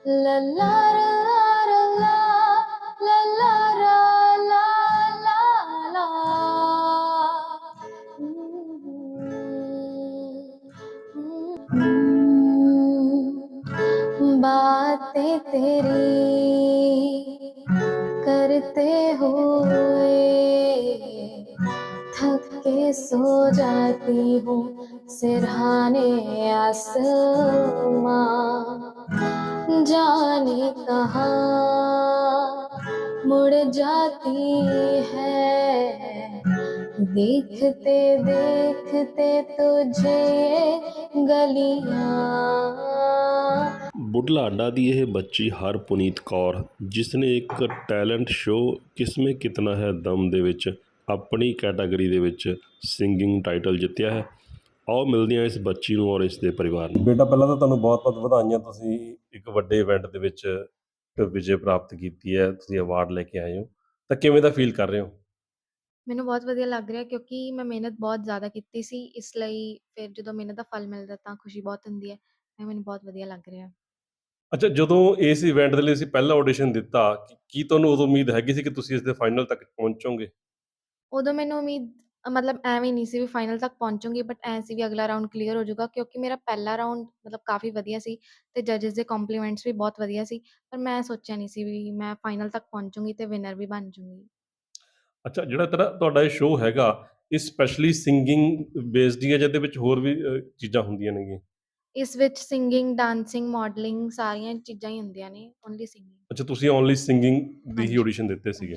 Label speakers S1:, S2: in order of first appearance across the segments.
S1: La la la la la la la la la la la बातें तेरी करते हुए थक के सो जाती हूँ सिरहाने आसमां जाने कहाँ मुड़ जाती है देखते देखते तुझे ये गलियां।
S2: ਬੁਢਲਾਡਾ ਦੀ ਇਹ ਬੱਚੀ ਹਰਪ੍ਰੀਤ ਕੌਰ ਜਿਸ ਨੇ ਇੱਕ ਟੈਲੈਂਟ ਸ਼ੋਅ ਕਿਸਮੇ ਕਿਤਨਾ ਹੈ ਦਮ ਦੇ ਵਿੱਚ ਆਪਣੀ ਕੈਟਾਗਰੀ ਦੇ ਵਿੱਚ ਸਿੰਗਿੰਗ ਟਾਈਟਲ ਜਿੱਤਿਆ ਹੈ। ਆਓ ਮਿਲਦੇ ਹਾਂ ਇਸ ਬੱਚੀ ਨੂੰ ਔਰ ਇਸ ਦੇ ਪਰਿਵਾਰ ਨੂੰ। ਬੇਟਾ ਪਹਿਲਾਂ ਤਾਂ ਤੁਹਾਨੂੰ ਬਹੁਤ ਬਹੁਤ ਵਧਾਈਆਂ, ਤੁਸੀਂ ਇੱਕ ਵੱਡੇ ਇਵੈਂਟ ਦੇ ਵਿੱਚ ਵਿਜੇ ਪ੍ਰਾਪਤ ਕੀਤੀ ਹੈ, ਤੁਸੀਂ ਅਵਾਰਡ ਲੈ ਕੇ ਆਏ ਹੋ, ਤਾਂ ਕਿਵੇਂ ਦਾ ਫੀਲ ਕਰ ਰਹੇ ਹੋ?
S1: ਮੈਨੂੰ ਬਹੁਤ ਵਧੀਆ ਲੱਗ ਰਿਹਾ ਕਿਉਂਕਿ ਮੈਂ ਮਿਹਨਤ ਬਹੁਤ ਜ਼ਿਆਦਾ ਕੀਤੀ ਸੀ, ਇਸ ਲਈ ਫਿਰ ਜਦੋਂ ਮਿਹਨਤ ਦਾ ਫਲ ਮਿਲਦਾ ਤਾਂ ਖੁਸ਼ੀ ਬਹੁਤ ਹੁੰਦੀ ਹੈ। ਮੈਨੂੰ ਬਹੁਤ ਵਧੀਆ ਲੱਗ ਰਿਹਾ।
S2: ਅੱਛਾ, ਜਦੋਂ ਇਸ ਇਵੈਂਟ ਦੇ ਲਈ ਤੁਸੀਂ ਪਹਿਲਾ ਆਡੀਸ਼ਨ ਦਿੱਤਾ, ਕੀ ਤੁਹਾਨੂੰ ਉਦੋਂ ਉਮੀਦ ਹੈਗੀ ਸੀ ਕਿ ਤੁਸੀਂ ਇਸ ਦੇ ਫਾਈਨਲ ਤੱਕ ਪਹੁੰਚੋਗੇ?
S1: ਉਦੋਂ ਮੈਨੂੰ ਉਮੀਦ ਮਤਲਬ ਐਵੇਂ ਨਹੀਂ ਸੀ ਵੀ ਫਾਈਨਲ ਤੱਕ ਪਹੁੰਚੂੰਗੀ, ਬਟ ਐਂ ਸੀ ਵੀ ਅਗਲਾ ਰਾਊਂਡ ਕਲੀਅਰ ਹੋ ਜਾਊਗਾ ਕਿਉਂਕਿ ਮੇਰਾ ਪਹਿਲਾ ਰਾਊਂਡ ਮਤਲਬ ਕਾਫੀ ਵਧੀਆ ਸੀ ਤੇ ਜੱਜਸ ਦੇ ਕੰਪਲੀਮੈਂਟਸ ਵੀ ਬਹੁਤ ਵਧੀਆ ਸੀ। ਪਰ ਮੈਂ ਸੋਚਿਆ ਨਹੀਂ ਸੀ ਵੀ ਮੈਂ ਫਾਈਨਲ ਤੱਕ ਪਹੁੰਚੂੰਗੀ ਤੇ ਵਿਨਰ ਵੀ ਬਣ ਜੂੰਗੀ।
S2: ਅੱਛਾ, ਜਿਹੜਾ ਤੁਹਾਡਾ ਇਹ ਸ਼ੋਅ ਹੈਗਾ, ਇਹ ਸਪੈਸ਼ਲੀ ਸਿੰਗਿੰਗ ਬੇਸਡ ਹੀ ਹੈ ਜਾਂ ਇਹਦੇ ਵਿੱਚ ਹੋਰ ਵੀ ਚੀਜ਼ਾਂ ਹੁੰਦੀਆਂ ਨੇਗੀਆਂ?
S1: ਇਸ ਵਿੱਚ ਸਿੰਗਿੰਗ, ਡਾਂਸਿੰਗ, ਮਾਡਲਿੰਗ ਸਾਰੀਆਂ ਚੀਜ਼ਾਂ ਹੀ ਹੁੰਦੀਆਂ ਨੇ, ਓਨਲੀ ਸਿੰਗਿੰਗ।
S2: ਅੱਛਾ, ਤੁਸੀਂ ਓਨਲੀ ਸਿੰਗਿੰਗ ਦੀ ਹੀ
S1: ਹਾਂਜੀ
S2: ਆਡੀਸ਼ਨ ਦਿੱਤੇ ਸੀਗੇ।
S1: ਹਾਂਜੀ।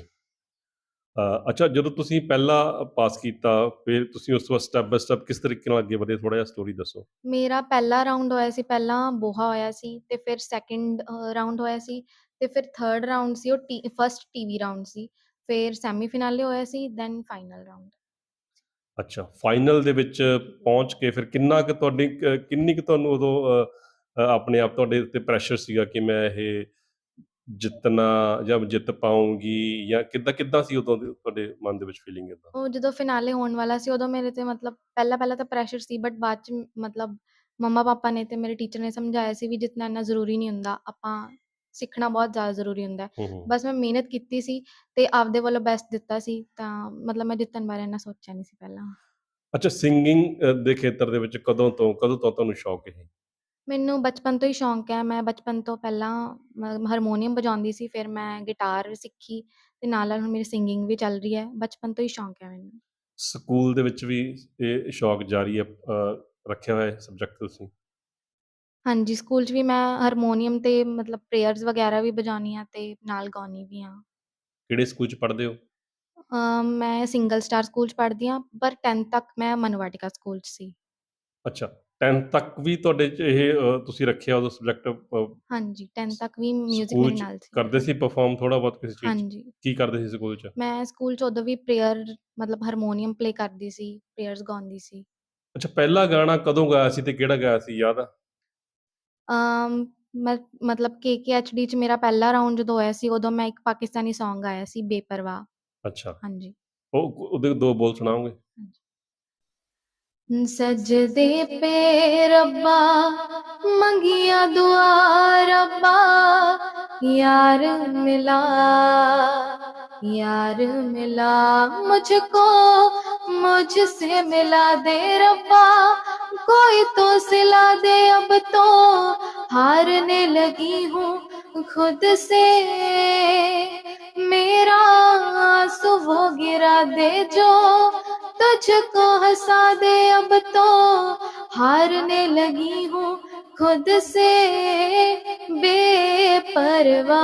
S2: ਅੱਛਾ, ਜਦੋਂ ਤੁਸੀਂ ਪਹਿਲਾ ਪਾਸ ਕੀਤਾ, ਫਿਰ ਤੁਸੀਂ ਉਸ ਤੋਂ ਬਾਅਦ ਸਟੈਪ ਬਾਏ ਸਟੈਪ ਕਿਸ ਤਰੀਕੇ ਨਾਲ ਅੱਗੇ ਵਧੇ? ਥੋੜ੍ਹਾ ਜਿਹਾ ਸਟੋਰੀ ਦੱਸੋ।
S1: ਮੇਰਾ ਪਹਿਲਾ ਰਾਊਂਡ ਹੋਇਆ ਸੀ, ਪਹਿਲਾਂ ਬੋਹਾ ਹੋਇਆ ਸੀ ਤੇ ਫਿਰ ਸੈਕਿੰਡ ਰਾਊਂਡ ਹੋਇਆ ਸੀ ਤੇ ਫਿਰ ਥਰਡ ਰਾਊਂਡ ਸੀ ਉਹ ਫਸਟ ਟੀਵੀ ਰਾਊਂਡ ਸੀ, ਫਿਰ ਸੈਮੀ ਫਿਨਾਲੇ ਹੋਇਆ ਸੀ, ਦੈਨ ਫਾਈਨਲ ਰਾਊਂਡ।
S2: ਅੱਛਾ, ਫਾਈਨਲ ਦੇ ਵਿੱਚ ਪਹੁੰਚ ਕੇ ਫਿਰ ਕਿੰਨੀ ਕੁ ਤੁਹਾਨੂੰ ਉਦੋਂ ਆਪਣੇ ਆਪ ਤੁਹਾਡੇ ਉੱਤੇ ਪ੍ਰੈਸ਼ਰ ਸੀਗਾ ਕਿ ਮੈਂ ਇਹ ਜਿੱਤਣਾ ਜਾਂ ਜਿੱਤ ਪਾਊਂਗੀ, ਜਾਂ ਕਿੱਦਾਂ ਸੀ ਉਦੋਂ ਦੀ ਤੁਹਾਡੇ ਮਨ ਦੇ ਵਿੱਚ ਫੀਲਿੰਗ ਇੱਦਾਂ?
S1: ਉਹ ਜਦੋਂ ਫਿਨਾਲੇ ਹੋਣ ਵਾਲਾ ਸੀ ਉਦੋਂ ਮੇਰੇ ਤੇ ਮਤਲਬ ਪਹਿਲਾਂ ਤਾਂ ਪ੍ਰੈਸ਼ਰ ਸੀ, ਬਟ ਬਾਅਦ ਚ ਮਤਲਬ ਮੰਮਾ ਪਾਪਾ ਨੇ ਤੇ ਮੇਰੇ ਟੀਚਰ ਨੇ ਸਮਝਾਇਆ ਸੀ ਵੀ ਜਿੱਤਣਾ ਇੰਨਾ ਜ਼ਰੂਰੀ ਨਹੀਂ ਹੁੰਦਾ, ਆਪਾਂ ਸਿੱਖਣਾ ਬਹੁਤ ਜ਼ਿਆਦਾ ਜ਼ਰੂਰੀ ਹੁੰਦਾ ਹੈ।
S2: ਹੂੰ, ਹੂੰ।
S1: ਬਸ ਮੈਂ ਮਿਹਨਤ ਕੀਤੀ ਸੀ ਤੇ ਆਪਦੇ ਵੱਲੋਂ ਬੈਸਟ ਦਿੱਤਾ ਸੀ, ਤਾਂ ਮਤਲਬ ਮੈਂ ਜਿੱਤਣ ਬਾਰੇ ਇੰਨਾ ਸੋਚਿਆ ਨਹੀਂ ਸੀ ਪਹਿਲਾਂ।
S2: ਅੱਛਾ, ਸਿੰਗਿੰਗ ਦੇ ਖੇਤਰ ਦੇ ਵਿੱਚ ਕਦੋਂ ਤੋਂ ਤੁਹਾਨੂੰ ਸ਼ੌਕ ਇਹ?
S1: ਮੈਨੂੰ ਬਚਪਨ ਤੋਂ ਹੀ ਸ਼ੌਂਕ ਹੈ। ਮੈਂ ਬਚਪਨ ਤੋਂ ਪਹਿਲਾਂ ਹਾਰਮੋਨੀਅਮ ਵਜਾਉਂਦੀ ਸੀ, ਫਿਰ ਮੈਂ ਗਿਟਾਰ ਸਿੱਖੀ ਤੇ ਨਾਲ ਹੁਣ ਮੇਰੀ ਸਿੰਗਿੰਗ ਵੀ ਚੱਲ ਰਹੀ ਹੈ। ਬਚਪਨ ਤੋਂ ਹੀ ਸ਼ੌਂਕ ਹੈ ਮੈਨੂੰ।
S2: ਸਕੂਲ ਦੇ ਵਿੱਚ ਵੀ ਇਹ ਸ਼ੌਕ ਜਾਰੀ ਹੈ, ਰੱਖਿਆ ਹੋਇਆ ਹੈ ਸਬਜੈਕਟ ਤੁਸੀਂ?
S1: ਹਾਂਜੀ, ਸਕੂਲ 'ਚ ਵੀ ਮੈਂ ਹਾਰਮੋਨੀਅਮ ਤੇ ਮਤਲਬ ਪ੍ਰੇਅਰਸ ਵਗੈਰਾ ਵੀ ਵਜਾਉਂਦੀ ਹਾਂ ਤੇ ਨਾਲ ਗਾਉਂਦੀ ਵੀ ਹਾਂ।
S2: ਕਿਹੜੇ ਸਕੂਲ 'ਚ ਪੜ੍ਹਦੇ ਹੋ?
S1: ਮੈਂ ਸਿੰਗਲ ਸਟਾਰ ਸਕੂਲ 'ਚ ਪੜ੍ਹਦੀ ਹਾਂ, ਪਰ 10th ਤੱਕ ਮੈਂ ਮਨੂ ਵਾਟਿਕਾ ਸਕੂਲ 'ਚ ਸੀ।
S2: ਅੱਛਾ, 10th ਤੱਕ ਵੀ ਤੁਹਾਡੇ 'ਚ ਇਹ ਤੁਸੀਂ ਰੱਖਿਆ ਉਦੋਂ ਸਬਜੈਕਟ?
S1: ਹਾਂਜੀ, 10th ਤੱਕ ਵੀ ਮਿਊਜ਼ਿਕ
S2: ਸਕੂਲ
S1: ਮੇਰੇ
S2: 'ਚ
S1: ਨਾਲ ਸੀ।
S2: ਕਰਦੇ ਸੀ ਪਰਫੋਰਮ ਥੋੜ੍ਹਾ ਬਹੁਤ ਕਿਸੇ ਚੀਜ਼ 'ਚ?
S1: ਹਾਂਜੀ,
S2: ਕੀ ਕਰਦੇ ਸੀ ਸਕੂਲ 'ਚ?
S1: ਮੈਂ ਸਕੂਲ 'ਚ ਉਦੋਂ ਵੀ ਪ੍ਰੇਅਰ ਮਤਲਬ ਹਾਰਮੋਨੀਅਮ ਪਲੇ ਕਰਦੀ ਸੀ, ਪ੍ਰੇਅਰਸ ਗਾਉਂਦੀ ਸੀ।
S2: ਅੱਛਾ, ਪਹਿਲਾ ਗਾਣਾ ਕਦੋਂ ਗਾਇਆ ਸੀ ਤੇ ਕਿਹੜਾ ਗਾਇਆ ਸੀ, ਯਾਦ ਆ?
S1: ਅਮ, ਮੈਂ ਮਤਲਬ KKHD 'ਚ ਮੇਰਾ ਪਹਿਲਾ ਰਾਊਂਡ ਜਦੋਂ ਹੋਇਆ ਸੀ, ਉਦੋਂ ਮੈਂ ਇੱਕ ਪਾਕਿਸਤਾਨੀ ਸੌਂਗ ਗਾਇਆ ਸੀ, ਬੇਪਰਵਾਹ।
S2: ਅੱਛਾ,
S1: ਹਾਂਜੀ।
S2: ਉਹਦੇ 2 ਬੋਲ ਸੁਣਾਓਗੇ?
S1: सजदे पे रब्बा मंगिया दुआ रब्बा यार मिला यार मिला मुझको मुझसे मिला दे रब्बा कोई तो सिला दे अब तो हारने लगी हूँ खुद से मेरा आंसू वो गिरा दे जो तुझको हंसा दे अब तो हारने लगी हूँ खुद से बेपरवाह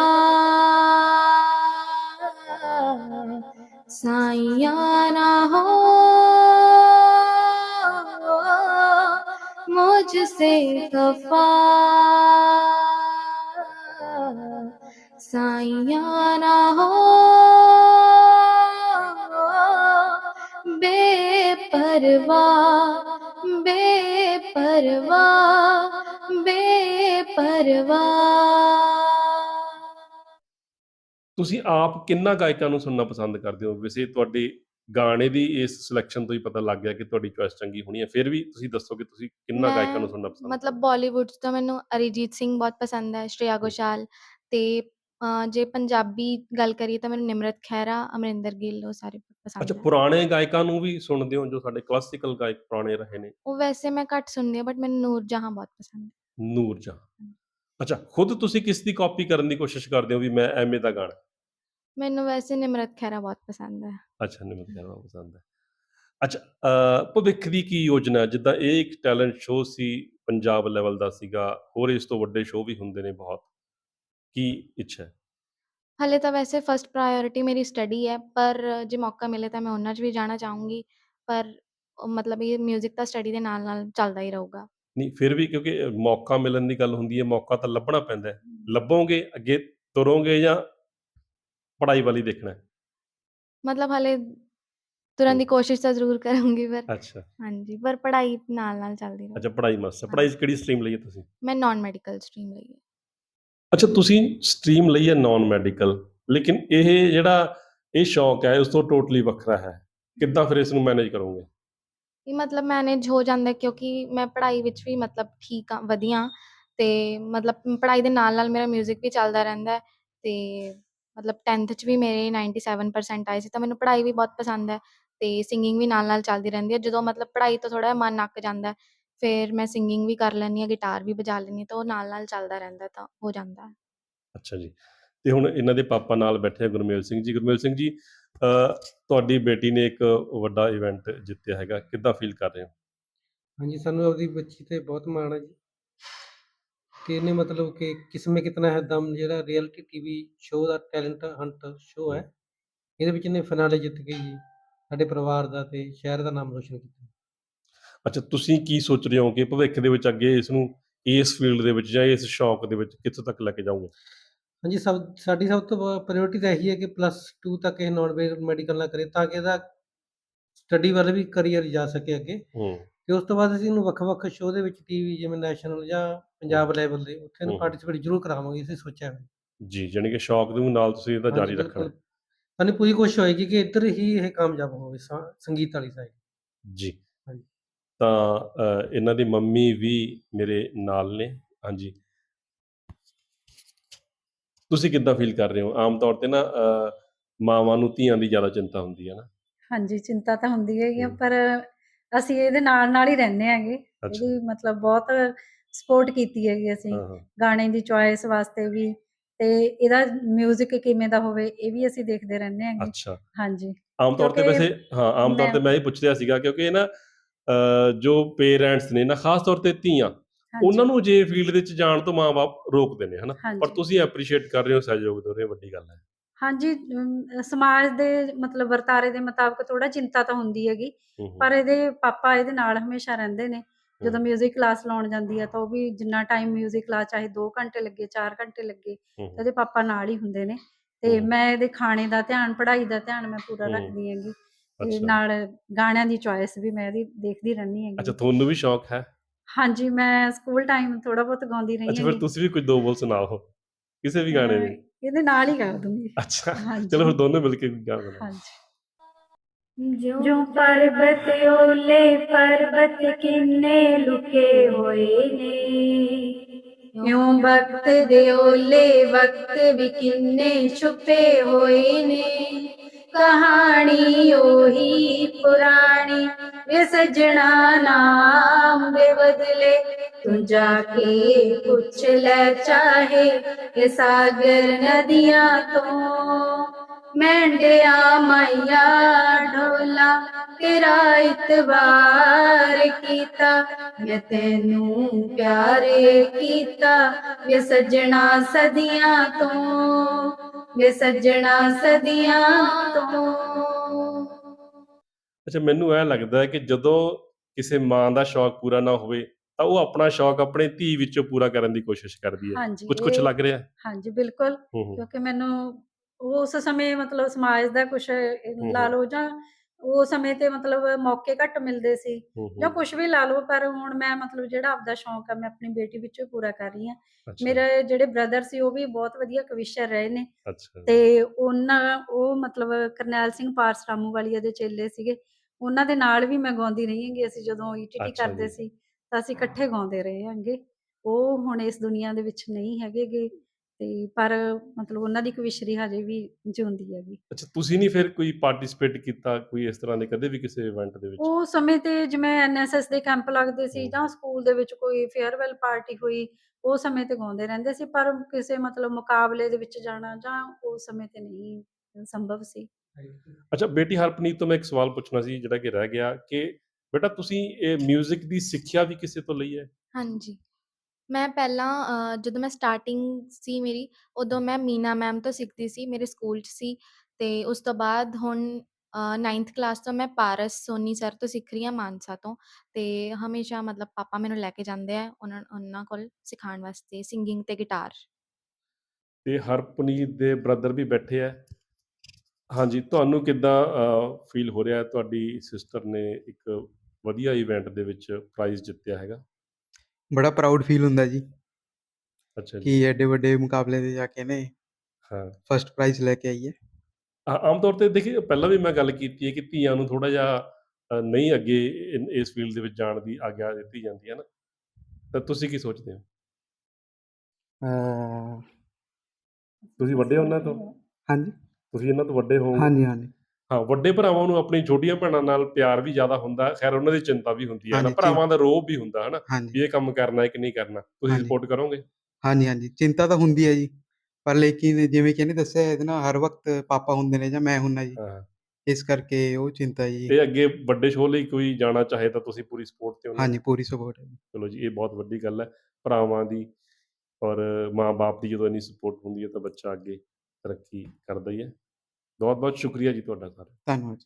S1: साइया ना हो मुझसे खफा साइया ना हो बेपरवाह बेपरवाह बेपरवाह।
S2: ਤੁਸੀਂ ਆਪ ਕਿੰਨਾ ਗਾਇਕਾਂ ਨੂੰ ਸੁਣਨਾ ਪਸੰਦ ਕਰਦੇ ਹੋ? ਵੈਸੇ ਤੁਹਾਡੀ ਗਾਣੇ ਦੀ ਇਸ ਸਿਲੈਕਸ਼ਨ ਤੋਂ ਹੀ ਪਤਾ ਲੱਗ ਗਿਆ ਕਿ ਤੁਹਾਡੀ ਚੋਇਸ ਚੰਗੀ ਹੋਣੀ ਹੈ। ਫਿਰ ਵੀ ਤੁਸੀਂ ਦੱਸੋ ਕਿ ਤੁਸੀਂ ਕਿੰਨਾ ਗਾਇਕਾਂ ਨੂੰ
S1: ਮੈਂ
S2: ਸੁਣਨਾ ਪਸੰਦ
S1: ਮਤਲਬ
S2: ਕਰਦੇ
S1: ਬਾਲੀਵੁੱਡ 'ਚ ਤਾਂ ਮੈਨੂੰ ਅਰਿਜੀਤ ਸਿੰਘ ਬਹੁਤ ਪਸੰਦ ਹੈ, ਸ਼੍ਰੇਆ
S2: ਹੋ?
S1: ਘੋਸ਼ਾਲ ਤੇ ਜੇ ਪੰਜਾਬੀ ਗੱਲ ਕਰੀਏ ਤਾਂ ਮੈਨੂੰ ਨਿਮਰਤ ਖਹਿਰਾ, ਅਮਰਿੰਦਰ ਗਿੱਲ ਉਹ ਸਾਰੇ
S2: ਅੱਛਾ,
S1: ਪਸੰਦ ਹੈ।
S2: ਪੁਰਾਣੇ ਗਾਇਕਾਂ ਨੂੰ ਵੀ ਸੁਣਦੇ ਹੋ ਜੋ ਸਾਡੇ ਕਲਾਸੀਕਲ ਗਾਇਕ ਪੁਰਾਣੇ ਰਹੇ ਨੇ?
S1: ਉਹ ਵੈਸੇ ਮੈਂ ਘੱਟ ਸੁਣਦੀ ਹਾਂ ਬਟ ਮੈਨੂੰ ਨੂਰਜਹਾਂ ਬਹੁਤ ਪਸੰਦ
S2: ਨੂਰ ਜਹਾਂ।
S1: ਹੈ।
S2: ਅੱਛਾ, ਖੁਦ ਤੁਸੀਂ ਕਿਸ ਦੀ ਕਾਪੀ ਕਰਨ ਦੀ ਕੋਸ਼ਿਸ਼ ਕਰਦੇ ਹੋ ਵੀ ਮੈਂ ਐਵੇਂ ਦਾ ਗਾਣਾ?
S1: ਮੈਨੂੰ ਵੈਸੇ ਨਿਮਰਤ ਖਹਿਰਾ ਬਹੁਤ ਪਸੰਦ ਹੈ।
S2: ਅੱਛਾ, ਨਿਮਰਤ ਖਹਿਰਾ ਪਸੰਦ ਹੈ। ਅੱਛਾ, ਭਵਿੱਖ ਦੀ ਕੀ ਯੋਜਨਾ ਹੈ? ਜਿੱਦਾਂ ਇਹ ਇੱਕ ਟੈਲੈਂਟ ਸ਼ੋਅ ਸੀ, ਪੰਜਾਬ ਲੈਵਲ ਦਾ ਸੀਗਾ, ਹੋਰ ਇਸ ਤੋਂ ਵੱਡੇ ਸ਼ੋਅ ਵੀ ਹੁੰਦੇ ਨੇ ਬਹੁਤ। ਕੀ ਇੱਛਾ ਹੈ?
S1: ਹਾਲੇ ਤਾਂ ਵੈਸੇ ਫਸਟ ਪ੍ਰਾਇਓਰਿਟੀ ਮੇਰੀ ਸਟੱਡੀ ਹੈ, ਪਰ ਜੇ ਮੌਕਾ ਮਿਲੇ ਤਾਂ ਮੈਂ ਉਹਨਾਂ 'ਚ ਵੀ ਜਾਣਾ ਚਾਹੂੰਗੀ। ਪਰ ਮਤਲਬ ਇਹ ਮਿਊਜ਼ਿਕ ਤਾਂ ਸਟੱਡੀ ਦੇ ਨਾਲ-ਨਾਲ ਚੱਲਦਾ ਹੀ ਰਹੂਗਾ।
S2: ਨਹੀਂ, ਫਿਰ ਵੀ ਕਿਉਂਕਿ ਮੌਕਾ ਮਿਲਣ ਦੀ ਗੱਲ ਹੁੰਦੀ ਹੈ, ਮੌਕਾ ਤਾਂ ਲੱਭਣਾ ਪੈਂਦਾ ਹੈ। ਲੱਭੋਗੇ, ਅੱਗੇ ਤੁਰੋਗੇ ਜਾਂ ਪੜ੍ਹਾਈ ਵੱਲ ਹੀ ਦੇਖਣਾ ਹੈ?
S1: ਮਤਲਬ ਹਾਲੇ ਤੁਰਨ
S2: ਹੂੰ,
S1: ਦੀ ਕੋਸ਼ਿਸ਼ ਤਾਂ ਜ਼ਰੂਰ ਕਰਾਂਗੀ ਪਰ
S2: ਅੱਛਾ।
S1: ਹਾਂਜੀ, ਪਰ ਪੜ੍ਹਾਈ ਨਾਲ-ਨਾਲ ਚੱਲਦੀ
S2: ਅੱਛਾ,
S1: ਰਹੂਗੀ।
S2: ਪੜ੍ਹਾਈ ਮਸਤ ਹੈ। ਪੜ੍ਹਾਈ 'ਚ
S1: ਹਾਂਜੀ,
S2: ਕਿਹੜੀ ਸਟਰੀਮ ਲਈ ਹੈ ਤੁਸੀਂ?
S1: ਮੈਂ ਨੋਨ ਮੈਡੀਕਲ ਸਟਰੀਮ ਲਈ ਹੈ।
S2: ਅੱਛਾ, ਤੁਸੀਂ ਸਟਰੀਮ ਲਈ ਹੈ ਨੋਨ ਮੈਡੀਕਲ, ਲੇਕਿਨ ਇਹ ਜਿਹੜਾ ਇਹ ਸ਼ੌਕ ਹੈ, ਉਸ ਤੋਂ ਟੋਟਲੀ ਵੱਖਰਾ ਹੈ। ਕਿੱਦਾਂ ਫਿਰ ਇਸ ਨੂੰ ਮੈਨੇਜ ਕਰੋਗੇ?
S1: ਇਹ ਮਤਲਬ ਮੈਨੇਜ ਹੋ ਜਾਂਦਾ ਕਿਉਂਕਿ ਮੈਂ ਪੜ੍ਹਾਈ ਵਿੱਚ ਵੀ ਮਤਲਬ ਠੀਕ ਹਾਂ, ਵਧੀਆ ਅਤੇ ਮਤਲਬ ਪੜ੍ਹਾਈ ਦੇ ਨਾਲ-ਨਾਲ ਮੇਰਾ ਮਿਊਜ਼ਿਕ ਵੀ ਚੱਲਦਾ ਰਹਿੰਦਾ ਅਤੇ ਮਤਲਬ 10th 'ਚ ਵੀ ਮੇਰੇ 97% ਆਏ ਸੀ, ਤਾਂ ਮੈਨੂੰ ਪੜ੍ਹਾਈ ਵੀ ਬਹੁਤ ਪਸੰਦ ਹੈ ਅਤੇ ਸਿੰਗਿੰਗ ਵੀ ਨਾਲ-ਨਾਲ ਚੱਲਦੀ ਰਹਿੰਦੀ ਹੈ। ਜਦੋਂ ਮਤਲਬ ਪੜ੍ਹਾਈ ਤੋਂ ਥੋੜ੍ਹਾ ਜਿਹਾ ਮਨ ਅੱਕ ਜਾਂਦਾ, ਫਿਰ ਮੈਂ ਸਿੰਗਿੰਗ ਵੀ ਕਰ ਲੈਂਦੀ ਹਾਂ, ਗਿਟਾਰ ਵੀ ਵਜਾ ਲੈਂਦੀ ਹਾਂ, ਤਾਂ ਉਹ ਨਾਲ-ਨਾਲ ਚੱਲਦਾ ਰਹਿੰਦਾ ਤਾਂ ਹੋ ਜਾਂਦਾ।
S2: ਅੱਛਾ ਜੀ। ਤੇ ਹੁਣ ਇਹਨਾਂ ਦੇ ਪਾਪਾ ਨਾਲ ਬੈਠੇ ਆ ਗੁਰਮੇਲ ਸਿੰਘ ਜੀ। ਗੁਰਮੇਲ ਸਿੰਘ ਜੀ, ਤੁਹਾਡੀ ਬੇਟੀ ਨੇ ਇੱਕ ਵੱਡਾ ਇਵੈਂਟ ਜਿੱਤਿਆ ਹੈਗਾ, ਕਿੱਦਾਂ ਫੀਲ ਕਰ ਰਹੇ ਹੋ?
S3: ਹਾਂਜੀ, ਸਾਨੂੰ ਆਪਦੀ ਬੱਚੀ 'ਤੇ ਬਹੁਤ ਮਾਣ ਹੈ ਜੀ ਕਿ ਇਹਨੇ ਮਤਲਬ ਕਿ ਕਿਸਮੇ ਕਿਤਨਾ ਹੈ ਦਮ ਜਿਹੜਾ ਰਿਐਲਿਟੀ ਟੀਵੀ ਸ਼ੋਅ ਦਾ ਟੈਲੈਂਟ ਹੰਟ ਸ਼ੋਅ ਹੈ, ਇਹਦੇ ਵਿੱਚ ਇਹਨੇ ਫਿਨਾਲੇ ਜਿੱਤ ਕੇ ਜੀ ਸਾਡੇ ਪਰਿਵਾਰ ਦਾ ਅਤੇ ਸ਼ਹਿਰ ਦਾ ਨਾਮ ਰੋਸ਼ਨ ਕੀਤਾ।
S2: ਅੱਛਾ, ਤੁਸੀਂ ਕੀ ਸੋਚ ਰਹੇ ਹੋ ਕਿ ਭਵਿੱਖ ਦੇ ਵਿੱਚ ਅੱਗੇ ਇਸ ਨੂੰ ਇਸ ਫੀਲਡ ਦੇ ਵਿੱਚ ਜਾਂ ਇਸ ਸ਼ੌਕ ਦੇ ਵਿੱਚ ਕਿੱਥੋਂ ਤੱਕ ਲੈ ਕੇ ਜਾਓਗੇ?
S3: ਹਾਂਜੀ, ਸਾਡੀ ਸਭ ਤੋਂ ਪ੍ਰਾਇਓਰਟੀ ਤਾਂ ਇਹੀ ਹੈ ਕਿ +2 ਤੱਕ ਇਹ ਨੋਨ ਮੈਡੀਕਲ ਨਾ ਕਰੇ ਤਾਂ ਕਿ ਇਹਦਾ ਸਟੱਡੀ ਵੱਲ ਵੀ ਕਰੀਅਰ ਜਾ ਸਕੇ ਅੱਗੇ
S2: ਹੂੰ,
S3: ਅਤੇ ਉਸ ਤੋਂ ਬਾਅਦ ਅਸੀਂ ਇਹਨੂੰ ਵੱਖ-ਵੱਖ ਸ਼ੋਅ ਦੇ ਵਿੱਚ ਟੀਵੀ ਜਿਵੇਂ ਨੈਸ਼ਨਲ ਜਾਂ
S2: ਹੂੰ,
S3: ਪੰਜਾਬ ਲੈਵਲ ਦੇ ਉੱਥੇ ਇਹਨੂੰ
S2: ਹੂੰ, ਹੂੰ।
S3: ਪਾਰਟੀਸਪੇਟ ਜ਼ਰੂਰ ਕਰਾਵਾਂਗੇ, ਅਸੀਂ ਸੋਚਿਆ ਹੋਇਆ।
S2: ਜੀ, ਜਾਣੀ ਕਿ ਸ਼ੌਕ ਦੇ ਨਾਲ ਤੁਸੀਂ ਇਹਦਾ
S3: ਹਾਂਜੀ,
S2: ਜਾਰੀ ਰੱਖਣਾ
S3: ਬਿਲਕੁਲ।
S2: ਹੈ।
S3: ਸਾਨੂੰ ਪੂਰੀ ਕੋਸ਼ਿਸ਼ ਹੋਏਗੀ ਕਿ ਇੱਧਰ ਹੀ ਇਹ ਕਾਮਯਾਬ ਹੋਵੇ ਸੰਗੀਤ ਵਾਲੀ ਸਾਈਡ।
S2: ਜੀ,
S3: ਹਾਂਜੀ।
S2: ਤਾਂ ਇਹਨਾਂ ਦੀ ਮੰਮੀ ਵੀ ਮੇਰੇ ਨਾਲ ਨੇ। ਹਾਂਜੀ। ਤੁਸੀਂ ਕਿੱਦਾਂ ਫੀਲ ਕਰ ਰਹੇ ਹੋ? ਆਮ ਤੌਰ ਤੇ ਨਾ ਮਾਵਾਂ ਨੂੰ ਧੀਆਂ ਦੀ ਜ਼ਿਆਦਾ ਚਿੰਤਾ ਹੁੰਦੀ ਹੈ ਨਾ?
S4: ਹਾਂਜੀ, ਚਿੰਤਾ ਤਾਂ ਹੁੰਦੀ ਹੈਗੀ ਆ,
S2: ਹੂੰ,
S4: ਪਰ ਅਸੀਂ ਇਹਦੇ ਨਾਲ-ਨਾਲ ਹੀ ਰਹਿੰਦੇ ਹੈਗੇ।
S2: ਅੱਛਾ।
S4: ਇਹਦੀ ਮਤਲਬ ਬਹੁਤ ਸਪੋਰਟ ਕੀਤੀ ਹੈਗੀ ਅਸੀਂ,
S2: ਹਾਂ, ਹਾਂ।
S4: ਗਾਣੇ ਦੀ ਚੋਇਸ ਵਾਸਤੇ ਵੀ ਤੇ ਇਹਦਾ ਮਿਊਜ਼ਿਕ ਕਿਵੇਂ ਦਾ ਹੋਵੇ, ਇਹ ਵੀ ਅਸੀਂ ਦੇਖਦੇ ਰਹਿੰਦੇ ਹੈਗੇ।
S2: ਅੱਛਾ।
S4: ਹਾਂਜੀ,
S2: ਆਮ ਤੌਰ ਤੇ
S4: ਕਿਉਂਕਿ
S2: ਵੈਸੇ ਹਾਂ, ਆਮ ਤੌਰ
S4: ਮੈਂ
S2: ਤੇ ਮੈਂ ਇਹ ਪੁੱਛ ਰਿਹਾ ਸੀਗਾ ਕਿਉਂਕਿ ਇਹ ਨਾ ਜੋ ਪੇਰੈਂਟਸ ਨੇ ਨਾ, ਖਾਸ ਤੌਰ ਤੇ ਧੀਆਂ, ਉਹਨਾਂ
S4: ਹਾਂਜੀ,
S2: ਨੂੰ ਜੇ ਫੀਲਡ ਦੇ ਵਿੱਚ ਜਾਣ ਤੋਂ ਮਾਂ-ਬਾਪ ਰੋਕਦੇ ਨੇ, ਹਨਾ? ਪਰ
S4: ਹਾਂਜੀ।
S2: ਤੁਸੀਂ ਐਪਰੀਸ਼ੀਏਟ ਕਰ ਰਹੇ ਹੋ, ਸਹਿਯੋਗ ਦੇ ਰਹੇ ਹੋ, ਵੱਡੀ ਗੱਲ ਹੈ।
S4: ਹਾਂਜੀ, ਸਮਾਜ ਦੇ ਮਤਲਬ ਵਰਤਾਰੇ ਦੇ ਮੁਤਾਬਕ ਥੋੜ੍ਹਾ ਚਿੰਤਾ ਤਾਂ ਹੁੰਦੀ ਹੈਗੀ,
S2: ਹੂੰ, ਹੂੰ,
S4: ਪਰ ਇਹਦੇ ਪਾਪਾ ਇਹਦੇ ਨਾਲ ਹਮੇਸ਼ਾ ਰਹਿੰਦੇ ਨੇ।
S2: ਹੂੰ,
S4: ਜਦੋਂ ਮਿਊਜ਼ਿਕ ਕਲਾਸ ਲਾਉਣ ਜਾਂਦੀ ਆ ਤਾਂ ਉਹ ਵੀ ਜਿੰਨਾ ਟਾਈਮ ਮਿਊਜ਼ਿਕ ਕਲਾਸ ਚਾਹੇ 2 ਘੰਟੇ ਲੱਗੇ, 4 ਘੰਟੇ ਲੱਗੇ,
S2: ਹੂੰ,
S4: ਤਾਂ ਇਹਦੇ ਪਾਪਾ ਨਾਲ ਹੀ ਹੁੰਦੇ ਨੇ ਤੇ
S2: ਹੂੰ,
S4: ਮੈਂ ਇਹਦੇ ਖਾਣੇ ਦਾ ਧਿਆਨ, ਪੜ੍ਹਾਈ ਦਾ ਧਿਆਨ ਮੈਂ ਪੂਰਾ
S2: ਹੂੰ।
S4: ਰੱਖਦੀ ਹੈਗੀ ਤੇ
S2: ਅੱਛਾ।
S4: ਨਾਲ ਗਾਣਿਆਂ ਦੀ ਚੋਇਸ ਵੀ ਮੈਂ ਇਹਦੀ ਦੇਖਦੀ ਰਹਿੰਦੀ
S2: ਅੱਛਾ,
S4: ਹੈਗੀ।
S2: ਤੁਹਾਨੂੰ ਵੀ ਸ਼ੌਕ ਹੈ?
S4: ਹਾਂਜੀ, ਮੈਂ ਸਕੂਲ ਟਾਈਮ ਥੋੜ੍ਹਾ ਬਹੁਤ ਗਾਉਂਦੀ ਰਹੀ
S2: ਅੱਛਾ, ਫਿਰ
S4: ਹੈਗੀ।
S2: ਤੁਸੀਂ ਵੀ ਕੁਝ 2 ਬੋਲ ਸੁਣਾਓ, ਕਿਸੇ ਵੀ ਗਾਣੇ
S4: ਮੈਂ
S2: ਦੇ।
S4: ਇਹਦੇ ਨਾਲ ਹੀ ਗਾ ਦੂੰਗੀ।
S2: ਅੱਛਾ, ਚਲੋ ਫਿਰ
S4: ਹਾਂਜੀ,
S2: ਦੋਨੋਂ ਮਿਲ ਕੇ ਕੋਈ ਗਾਣਾ ਸੁਣਾਓ।
S4: ਹਾਂਜੀ।
S5: ਜੋ ਪਰਬਤ ਓਲੇ ਪਰਬਤ ਕਿੰਨੇ ਲੁਕੇ ਹੋਏ ਨੇ, ਇਉਂ ਵਕਤ ਦੇ ਓਲੇ ਵਕਤ ਵੀ ਕਿੰਨੇ ਛੁਪੇ ਹੋਏ ਨੇ। ਕਹਾਣੀ ਉਹੀ ਪੁਰਾਣੀ ਵੇ ਸੱਜਣਾ, ਨਾਮ ਦੇ ਬਦਲੇ ਤੂੰ ਜਾ ਕੇ ਪੁੱਛ ਲੈ ਚਾਹੇ ਇਹ ਸਾਗਰ ਨਦੀਆਂ ਤੋਂ। ਮੈਂਡਿਆ ਮਾਈਆ ਢੋਲਾ ਤੇਰਾ ਇਤਬਾਰ ਕੀਤਾ, ਮੈਂ ਤੈਨੂੰ ਪਿਆਰ ਕੀਤਾ ਵੇ ਸੱਜਣਾ ਸਦੀਆਂ ਤੋਂ, ਵੇ ਸੱਜਣਾ ਸਦੀਆਂ ਤੋਂ।
S2: ਅੱਛਾ, ਮੈਨੂੰ ਐਂ ਲੱਗਦਾ ਹੈ ਕਿ ਜਦੋਂ ਕਿਸੇ ਮਾਂ ਦਾ ਸ਼ੌਕ ਪੂਰਾ ਨਾ ਹੋਵੇ, ਤਾਂ ਉਹ ਆਪਣਾ ਸ਼ੌਕ ਆਪਣੇ ਧੀ ਵਿੱਚੋਂ ਪੂਰਾ ਕਰਨ ਦੀ ਕੋਸ਼ਿਸ਼ ਕਰਦੀ ਹੈ।
S4: ਹਾਂਜੀ,
S2: ਕੁਛ-ਕੁਛ ਲੱਗ ਰਿਹਾ?
S4: ਹਾਂਜੀ, ਬਿਲਕੁਲ,
S2: ਹੂੰ, ਹੂੰ,
S4: ਕਿਉਂਕਿ ਮੈਨੂੰ ਉਸ ਸਮੇਂ ਮਤਲਬ ਸਮਾਜ ਦਾ ਕੁਛ
S2: ਹੂੰ,
S4: ਲਾ
S2: ਹੂੰ,
S4: ਲਓ ਜਾਂ ਉਹ ਸਮੇਂ ਤੇ ਮਤਲਬ ਮੌਕੇ ਘੱਟ ਮਿਲਦੇ ਸੀ
S2: ਹੂੰ
S4: ਜਾਂ
S2: ਹੂੰ
S4: ਕੁਛ ਵੀ ਲਾ ਲਓ, ਪਰ ਹੁਣ ਮੈਂ ਮਤਲਬ ਜਿਹੜਾ ਆਪਦਾ ਸ਼ੌਂਕ ਆ ਮੈਂ ਆਪਣੀ ਬੇਟੀ ਵਿੱਚੋਂ ਪੂਰਾ ਕਰ ਰਹੀ ਹਾਂ।
S2: ਅੱਛਾ
S4: ਮੇਰੇ ਜਿਹੜੇ ਬ੍ਰਦਰ ਸੀ ਉਹ ਵੀ ਬਹੁਤ ਵਧੀਆ ਕਵਿਸ਼ਰ ਰਹੇ ਨੇ,
S2: ਅੱਛਾ
S4: ਤੇ ਉਹ ਮਤਲਬ ਕਰਨੈਲ ਸਿੰਘ ਪਾਰਸ ਰਾਮੂਵਾਲੀਆ ਦੇ ਚੇਲੇ ਸੀਗੇ। ਉਹਨਾਂ ਦੇ ਨਾਲ ਵੀ ਮੈਂ ਗਾਉਂਦੀ ਰਹੀ ਹੈਗੀ। ਅਸੀਂ ਜਦੋਂ ਈਟੀਟੀ
S2: ਅੱਛਾ
S4: ਕਰਦੇ
S2: ਜੀ
S4: ਸੀ ਤਾਂ ਅਸੀਂ ਇਕੱਠੇ ਗਾਉਂਦੇ ਰਹੇ ਹੈਗੇ। ਉਹ ਹੁਣ ਇਸ ਦੁਨੀਆ ਦੇ ਵਿੱਚ ਨਹੀਂ ਹੈਗੇ ਗੇ, ਤੇ ਪਰ ਮਤਲਬ ਉਹਨਾਂ ਦੀ ਕਵਿਸ਼ਰੀ ਹਜੇ ਵੀ ਜਿਉਂਦੀ ਹੈਗੀ।
S2: ਅੱਛਾ ਤੁਸੀਂ ਨਹੀਂ ਫਿਰ ਕੋਈ ਪਾਰਟਿਸਿਪੇਟ ਕੀਤਾ ਕੋਈ ਇਸ ਤਰ੍ਹਾਂ ਦੇ ਕਦੇ ਵੀ ਕਿਸੇ ਇਵੈਂਟ ਦੇ ਵਿੱਚ?
S4: ਉਹ ਸਮੇਂ ਤੇ ਜਿਵੇਂ ਐਨਐਸਐਸ ਦੇ ਕੈਂਪ ਲੱਗਦੇ ਸੀ
S2: ਹੂੰ
S4: ਜਾਂ ਸਕੂਲ ਦੇ ਵਿੱਚ ਕੋਈ ਫੇਅਰਵੈਲ ਪਾਰਟੀ ਹੋਈ, ਉਹ ਸਮੇਂ ਤੇ ਗਾਉਂਦੇ ਰਹਿੰਦੇ ਸੀ, ਪਰ ਕਿਸੇ ਮਤਲਬ ਮੁਕਾਬਲੇ ਦੇ ਵਿੱਚ ਜਾਣਾ ਜਾਂ ਉਸ ਸਮੇਂ ਤੇ ਨਹੀਂ ਸੰਭਵ ਸੀ।
S2: ਅੱਛਾ ਬੇਟੀ ਹਰਪ੍ਰੀਤ ਤੋਂ ਮੈਂ ਇੱਕ ਸਵਾਲ ਪੁੱਛਣਾ ਸੀ ਜਿਹੜਾ ਕਿ ਰਹਿ ਗਿਆ ਕਿ ਬੇਟਾ ਤੁਸੀਂ ਇਹ ਮਿਊਜ਼ਿਕ ਦੀ ਸਿੱਖਿਆ ਵੀ ਕਿਸੇ ਤੋਂ ਲਈ ਹੈ?
S1: ਹਾਂਜੀ। ਮੈਂ ਪਹਿਲਾਂ ਜਦੋਂ ਮੈਂ ਸਟਾਰਟਿੰਗ ਸੀ ਮੇਰੀ, ਉਦੋਂ ਮੈਂ ਮੀਨਾ ਮੈਮ ਤੋਂ ਸਿੱਖਦੀ ਸੀ, ਮੇਰੇ ਸਕੂਲ 'ਚ ਸੀ। ਤੇ ਉਸ ਤੋਂ ਬਾਅਦ ਹੁਣ 9th ਕਲਾਸ ਤੋਂ ਮੈਂ ਪਾਰਸ ਸੋਨੀ ਸਰ ਤੋਂ ਸਿੱਖ ਰਹੀ ਹਾਂ, ਮਾਨਸਾ ਤੋਂ। ਤੇ ਹਮੇਸ਼ਾ ਮਤਲਬ ਪਾਪਾ ਮੈਨੂੰ ਲੈ ਕੇ ਜਾਂਦੇ ਆ ਉਹਨਾਂ ਕੋਲ ਸਿਖਾਉਣ ਵਾਸਤੇ ਸਿੰਗਿੰਗ ਤੇ ਗਿਟਾਰ।
S2: ਤੇ ਹਰਪ੍ਰੀਤ ਦੇ ਬ੍ਰਦਰ ਵੀ ਬੈਠੇ ਆ। ਹਾਂਜੀ ਤੁਹਾਨੂੰ ਕਿੱਦਾਂ ਫੀਲ ਹੋ ਰਿਹਾ ਤੁਹਾਡੀ ਸਿਸਟਰ ਨੇ ਇੱਕ ਵਧੀਆ ਇਵੈਂਟ ਦੇ ਵਿੱਚ ਪ੍ਰਾਈਜ਼ ਜਿੱਤਿਆ ਹੈਗਾ?
S6: ਬੜਾ ਪ੍ਰਾਊਡ ਫੀਲ ਹੁੰਦਾ ਜੀ
S2: ਅੱਛਾ ਜੀ।
S6: ਕਿ ਐਡੇ ਵੱਡੇ ਮੁਕਾਬਲੇ 'ਤੇ ਜਾ ਕੇ ਨੇ
S2: ਹਾਂ
S6: ਫਸਟ ਪ੍ਰਾਈਜ਼ ਲੈ ਕੇ ਆਈ ਹੈ।
S2: ਆਮ ਤੌਰ ਤੇ ਦੇਖੀਏ ਪਹਿਲਾਂ ਵੀ ਮੈਂ ਗੱਲ ਕੀਤੀ ਹੈ ਕਿ ਧੀਆਂ ਨੂੰ ਥੋੜ੍ਹਾ ਜਿਹਾ ਨਹੀਂ ਅੱਗੇ ਇਸ ਫੀਲਡ ਦੇ ਵਿੱਚ ਜਾਣ ਦੀ ਆਗਿਆ ਦਿੱਤੀ ਜਾਂਦੀ ਹੈ ਨਾ, ਤਾਂ ਤੁਸੀਂ ਕੀ ਸੋਚਦੇ ਹੋ?
S6: ਅਹ,
S2: ਤੁਸੀਂ ਵੱਡੇ ਹੋ ਉਹਨਾਂ ਤੋਂ?
S6: ਹਾਂਜੀ
S2: ਤੁਸੀਂ ਇਹਨਾਂ ਤੋਂ ਵੱਡੇ ਹੋਵੋਗੇ?
S6: ਹਾਂਜੀ ਹਾਂਜੀ
S2: ਹਾਂ ਵੱਡੇ ਭਰਾਵਾਂ ਨੂੰ ਆਪਣੀ ਛੋਟੀਆਂ ਭੈਣਾਂ ਨਾਲ ਪਿਆਰ ਵੀ ਜ਼ਿਆਦਾ ਹੁੰਦਾ, ਖੈਰ ਉਹਨਾਂ ਦੀ ਚਿੰਤਾ ਵੀ ਹੁੰਦੀ ਹੈ ਨਾ,
S6: ਹਾਂਜੀ
S2: ਭਰਾਵਾਂ ਦਾ ਰੋਹਬ ਵੀ ਹੁੰਦਾ ਹੈ ਨਾ
S6: ਹਾਂਜੀ
S2: ਵੀ ਇਹ ਕੰਮ ਕਰਨਾ ਹੈ ਕਿ ਨਹੀਂ ਕਰਨਾ, ਤੁਸੀਂ
S6: ਹਾਂਜੀ
S2: ਸਪੋਰਟ ਕਰੋਗੇ?
S6: ਹਾਂਜੀ ਹਾਂਜੀ ਚਿੰਤਾ ਤਾਂ ਹੁੰਦੀ ਹੈ ਜੀ, ਪਰ ਲੇਕਿਨ ਜਿਵੇਂ ਕਿ ਇਹਨੇ ਦੱਸਿਆ ਇਹਦੇ ਨਾਲ ਹਰ ਵਕਤ ਪਾਪਾ ਹੁੰਦੇ ਨੇ ਜਾਂ ਮੈਂ ਹੁੰਦਾ ਜੀ,
S2: ਹਾਂ
S6: ਇਸ ਕਰਕੇ ਉਹ ਚਿੰਤਾ ਜੀ।
S2: ਤੇ ਅੱਗੇ ਵੱਡੇ ਸ਼ੋਅ ਲਈ ਕੋਈ ਜਾਣਾ ਚਾਹੇ ਤਾਂ ਤੁਸੀਂ ਪੂਰੀ ਸਪੋਰਟ ਤੇ ਉਹਨਾਂ ਦੀ?
S6: ਹਾਂਜੀ ਪੂਰੀ ਸਪੋਰਟ ਹੈ ਜੀ।
S2: ਚਲੋ ਜੀ ਇਹ ਬਹੁਤ ਵੱਡੀ ਗੱਲ ਹੈ ਭਰਾਵਾਂ ਦੀ ਔਰ ਮਾਂ-ਬਾਪ ਦੀ ਜਦੋਂ ਇੰਨੀ ਸਪੋਰਟ ਹੁੰਦੀ ਹੈ ਤਾਂ ਬੱਚਾ ਅੱਗੇ ਤਰੱਕੀ ਕਰਦਾ ਹੀ ਹੈ। ਬਹੁਤ ਬਹੁਤ ਸ਼ੁਕਰੀਆ ਜੀ ਤੁਹਾਡਾ ਸਰ।
S6: ਧੰਨਵਾਦ ਜੀ।